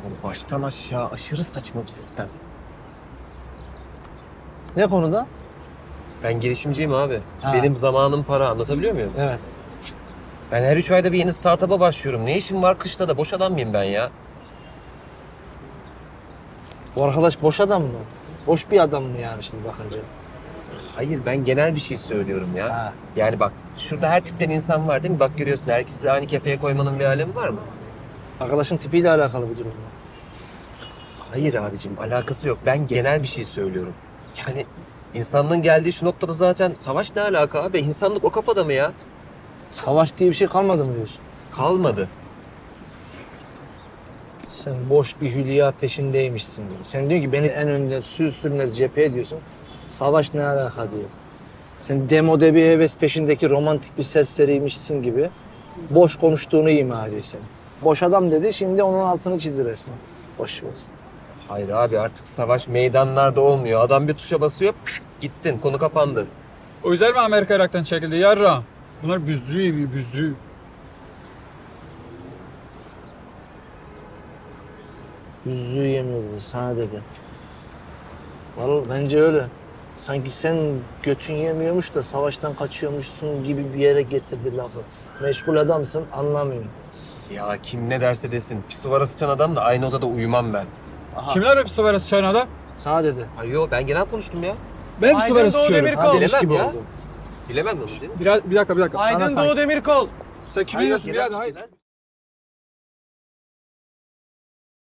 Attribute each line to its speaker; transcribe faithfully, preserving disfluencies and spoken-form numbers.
Speaker 1: Oğlum baştan aşağı aşırı saçma bir sistem.
Speaker 2: Ne konuda?
Speaker 1: Ben girişimciyim abi.
Speaker 2: Ha.
Speaker 1: Benim zamanım para, anlatabiliyor muyum?
Speaker 2: Evet.
Speaker 1: Ben her üç ayda bir yeni startup'a başlıyorum. Ne işim var kışta da? Boş adam mıyım ben ya?
Speaker 2: Bu arkadaş boş adam mı? Boş bir adam mı yani şimdi bakınca?
Speaker 1: Hayır, ben genel bir şey söylüyorum ya.
Speaker 2: Ha.
Speaker 1: Yani bak, şurada her tipten insan var değil mi? Bak görüyorsun, herkesi aynı kefeye koymanın bir alemi var mı?
Speaker 2: Arkadaşın tipiyle alakalı bir durum mu?
Speaker 1: Hayır abicim, alakası yok. Ben genel bir şey söylüyorum. Yani insanlığın geldiği şu noktada zaten savaş ne alaka abi? İnsanlık o kafada mı ya?
Speaker 2: Savaş diye bir şey kalmadı mı diyorsun?
Speaker 1: Kalmadı.
Speaker 2: Sen boş bir hülya peşindeymişsin diyor. Sen diyor ki beni en önde sür sürünler cepheye diyorsun. Savaş ne alaka diyor. Sen demode bir heves peşindeki romantik bir serseriymişsin gibi boş konuştuğunu ima ediyor seni. Boş adam dedi, şimdi onun altını çizdi resmen. Boş ver.
Speaker 1: Hayır abi, artık savaş meydanlarda olmuyor. Adam bir tuşa basıyor, püf, gittin, konu kapandı.
Speaker 3: O yüzden mi Amerika Irak'tan çekildi yarra? Bunlar büzüğü yemiyor, büzüğü.
Speaker 2: Yüzüğü yemiyor dedi, sana dedi. Vallahi bence öyle. Sanki sen götün yemiyormuş da savaştan kaçıyormuşsun gibi bir yere getirdi lafı. Meşgul adamsın, anlamıyorum.
Speaker 1: Ya kim ne derse desin, pisuvara sıçan adamla aynı odada uyumam ben.
Speaker 3: Kimler hep su veresi çaynada?
Speaker 2: Sana dedi.
Speaker 1: Ay yo, ben genel konuştum ya.
Speaker 3: Ben su veresi içiyorum.
Speaker 2: Ha, demiş
Speaker 1: bilemem
Speaker 2: gibi
Speaker 1: ya.
Speaker 2: oldu.
Speaker 1: Bilemem onu değil mi?
Speaker 3: Bir, bir dakika, bir dakika.
Speaker 2: Sana
Speaker 4: Aydın
Speaker 2: sanki-
Speaker 4: Doğu Demirkol.
Speaker 3: Sen kimi
Speaker 1: Hayır,
Speaker 3: yiyorsun
Speaker 1: genel
Speaker 3: birader?
Speaker 1: bir
Speaker 3: Hayır.
Speaker 1: şeyler.